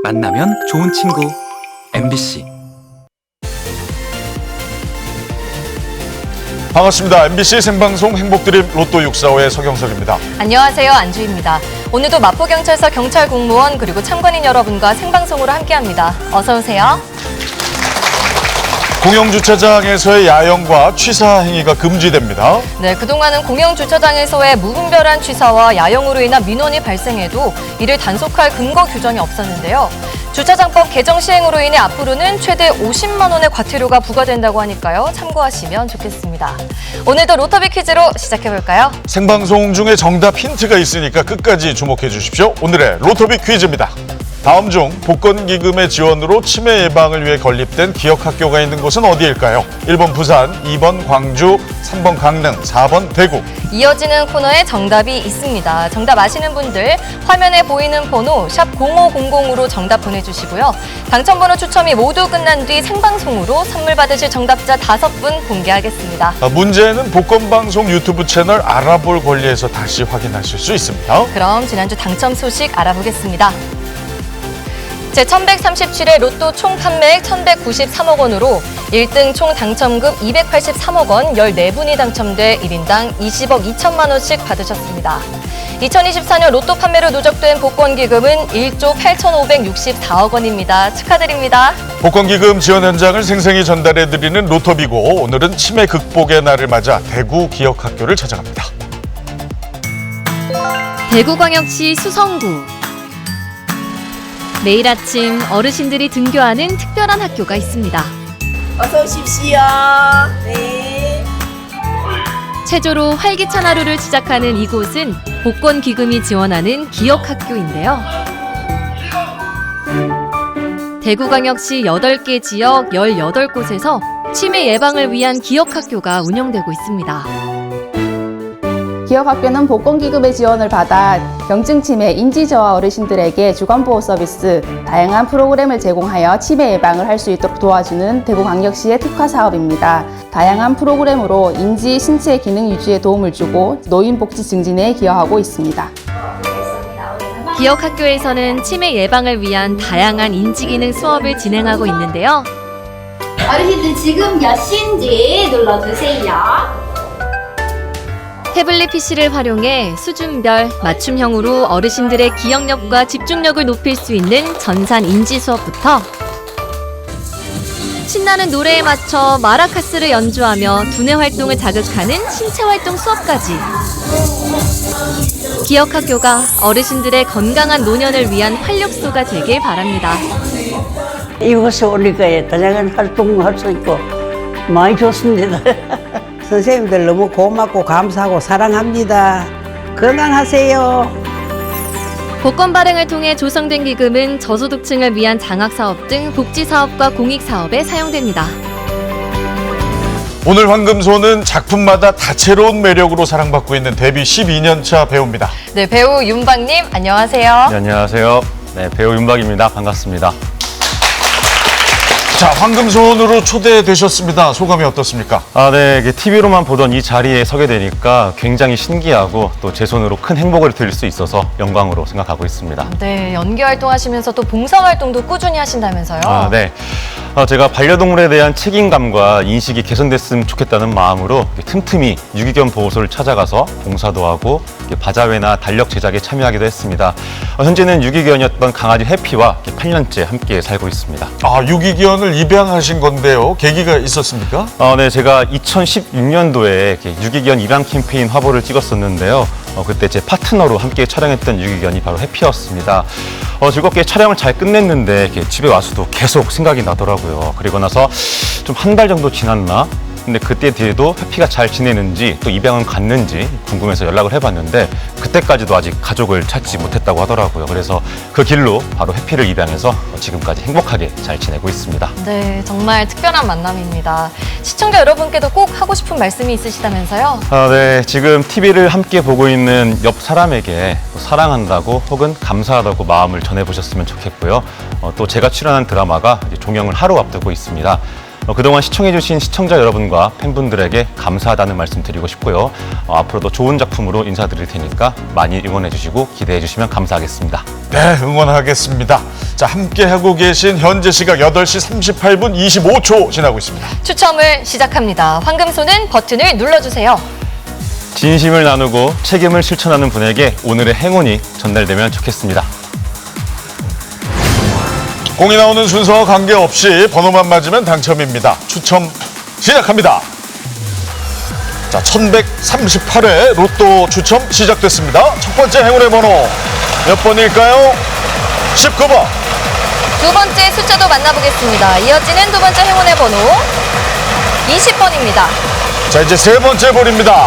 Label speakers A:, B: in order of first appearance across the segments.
A: 만나면 좋은 친구 MBC.
B: 반갑습니다. MBC 생방송 행복드림 로또 645의 서경석입니다.
C: 안녕하세요. 안주희입니다. 오늘도 마포경찰서 경찰 공무원 그리고 참관인 여러분과 생방송으로 함께합니다. 어서 오세요.
B: 공영주차장에서의 야영과 취사 행위가 금지됩니다.
C: 네, 그동안은 공영주차장에서의 무분별한 취사와 야영으로 인한 민원이 발생해도 이를 단속할 근거 규정이 없었는데요. 주차장법 개정 시행으로 인해 앞으로는 최대 50만 원의 과태료가 부과된다고 하니까요. 참고하시면 좋겠습니다. 오늘도 로터비 퀴즈로 시작해볼까요?
B: 생방송 중에 정답 힌트가 있으니까 끝까지 주목해 주십시오. 오늘의 로터비 퀴즈입니다. 다음 중 복권기금의 지원으로 치매 예방을 위해 건립된 기억학교가 있는 곳은 어디일까요? 1번 부산, 2번 광주, 3번 강릉, 4번 대구.
C: 이어지는 코너에 정답이 있습니다. 정답 아시는 분들 화면에 보이는 번호 샵 0500으로 정답 보내주시고요. 당첨번호 추첨이 모두 끝난 뒤 생방송으로 선물 받으실 정답자 5분 공개하겠습니다.
B: 문제는 복권방송 유튜브 채널 알아볼 권리에서 다시 확인하실 수 있습니다.
C: 그럼 지난주 당첨 소식 알아보겠습니다. 제1137회 로또 총 판매액 1,193억 원으로 1등 총 당첨금 283억 원 14분이 당첨돼 1인당 20억 2천만 원씩 받으셨습니다. 2024년 로또 판매로 누적된 복권기금은 1조 8,564억 원입니다. 축하드립니다.
B: 복권기금 지원 현장을 생생히 전달해드리는 로터비고 오늘은 치매 극복의 날을 맞아 대구 기억학교를 찾아갑니다.
D: 대구광역시 수성구. 매일 아침 어르신들이 등교하는 특별한 학교가 있습니다.
E: 어서 오십시오. 네.
D: 체조로 활기찬 하루를 시작하는 이곳은 복권기금이 지원하는 기억학교인데요. 대구광역시 8개 지역 18곳에서 치매 예방을 위한 기억학교가 운영되고 있습니다.
F: 기억학교는 복권기금의 지원을 받아 경증치매, 인지저하 어르신들에게 주간보호 서비스, 다양한 프로그램을 제공하여 치매 예방을 할 수 있도록 도와주는 대구광역시의 특화 사업입니다. 다양한 프로그램으로 인지, 신체 기능 유지에 도움을 주고 노인 복지 증진에 기여하고 있습니다.
D: 기억학교에서는 치매 예방을 위한 다양한 인지기능 수업을 진행하고 있는데요.
G: 어르신들 지금 몇 시인지 눌러주세요.
D: 태블릿 PC를 활용해 수준별 맞춤형으로 어르신들의 기억력과 집중력을 높일 수 있는 전산 인지 수업부터 신나는 노래에 맞춰 마라카스를 연주하며 두뇌 활동을 자극하는 신체 활동 수업까지. 기억학교가 어르신들의 건강한 노년을 위한 활력소가 되길 바랍니다.
H: 이곳에 오니까 다양한 활동할 수 있고 많이 좋습니다. 선생님들 너무 고맙고 감사하고 사랑합니다. 건강하세요.
D: 복권 발행을 통해 조성된 기금은 저소득층을 위한 장학사업 등 복지사업과 공익사업에 사용됩니다.
B: 오늘 황금소는 작품마다 다채로운 매력으로 사랑받고 있는 데뷔 12년차 배우입니다.
C: 네, 배우 윤박님 안녕하세요.
I: 네, 안녕하세요. 네, 배우 윤박입니다. 반갑습니다.
B: 자, 황금소원으로 초대되셨습니다. 소감이 어떻습니까?
I: 네, TV로만 보던 이 자리에 서게 되니까 굉장히 신기하고 또 제 손으로 큰 행복을 드릴 수 있어서 영광으로 생각하고 있습니다.
C: 네, 연기 활동하시면서 또 봉사 활동도 꾸준히 하신다면서요?
I: 네. 제가 반려동물에 대한 책임감과 인식이 개선됐으면 좋겠다는 마음으로 틈틈이 유기견 보호소를 찾아가서 봉사도 하고 바자회나 달력 제작에 참여하기도 했습니다. 현재는 유기견이었던 강아지 해피와 8년째 함께 살고 있습니다.
B: 유기견을 입양하신 건데요. 계기가 있었습니까?
I: 네, 제가 2016년도에 유기견 입양 캠페인 화보를 찍었었는데요. 그때 제 파트너로 함께 촬영했던 유기견이 바로 해피였습니다. 즐겁게 촬영을 잘 끝냈는데 집에 와서도 계속 생각이 나더라고요. 그리고 나서 좀 한 달 정도 지났나? 근데 그때 뒤에도 해피가 잘 지내는지 또 입양은 갔는지 궁금해서 연락을 해봤는데 그때까지도 아직 가족을 찾지 못했다고 하더라고요. 그래서 그 길로 바로 해피를 입양해서 지금까지 행복하게 잘 지내고 있습니다.
C: 네, 정말 특별한 만남입니다. 시청자 여러분께도 꼭 하고 싶은 말씀이 있으시다면서요?
I: 네, 지금 TV를 함께 보고 있는 옆 사람에게 사랑한다고 혹은 감사하다고 마음을 전해보셨으면 좋겠고요. 또 제가 출연한 드라마가 이제 종영을 하루 앞두고 있습니다. 그동안 시청해주신 시청자 여러분과 팬분들에게 감사하다는 말씀 드리고 싶고요. 앞으로도 좋은 작품으로 인사드릴 테니까 많이 응원해주시고 기대해주시면 감사하겠습니다.
B: 네, 응원하겠습니다. 자, 함께하고 계신 현재 시각 8시 38분 25초 지나고 있습니다.
C: 추첨을 시작합니다. 황금손은 버튼을 눌러주세요.
I: 진심을 나누고 책임을 실천하는 분에게 오늘의 행운이 전달되면 좋겠습니다.
B: 공이 나오는 순서와 관계없이 번호만 맞으면 당첨입니다. 추첨 시작합니다. 자, 1138회 로또 추첨 시작됐습니다. 첫 번째 행운의 번호 몇 번일까요? 19번.
C: 두 번째 숫자도 만나보겠습니다. 이어지는 두 번째 행운의 번호 20번입니다.
B: 자, 이제 세 번째 볼입니다.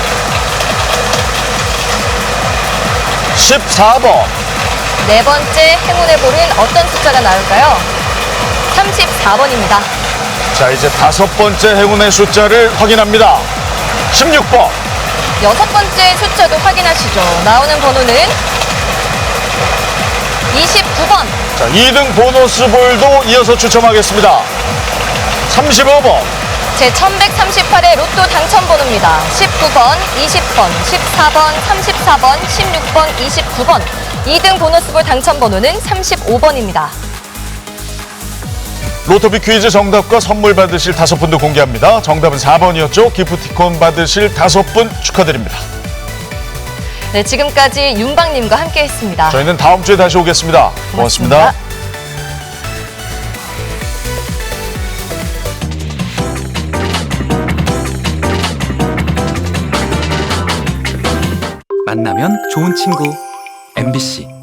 B: 14번.
C: 네 번째 행운의 볼은 어떤 숫자가 나올까요? 34번입니다.
B: 자, 이제 다섯 번째 행운의 숫자를 확인합니다. 16번.
C: 여섯 번째 숫자도 확인하시죠. 나오는 번호는 29번.
B: 자, 2등 보너스 볼도 이어서 추첨하겠습니다. 35번.
C: 제 1138회 로또 당첨 번호입니다. 19번, 20번, 14번, 34번, 16번, 29번. 2등 보너스볼 당첨 번호는 35번입니다.
B: 로토비 퀴즈 정답과 선물 받으실 5분도 공개합니다. 정답은 4번이었죠. 기프티콘 받으실 5분 축하드립니다.
C: 네, 지금까지 윤방님과 함께했습니다.
B: 저희는 다음 주에 다시 오겠습니다. 고맙습니다.
A: 만나면 좋은 친구 MBC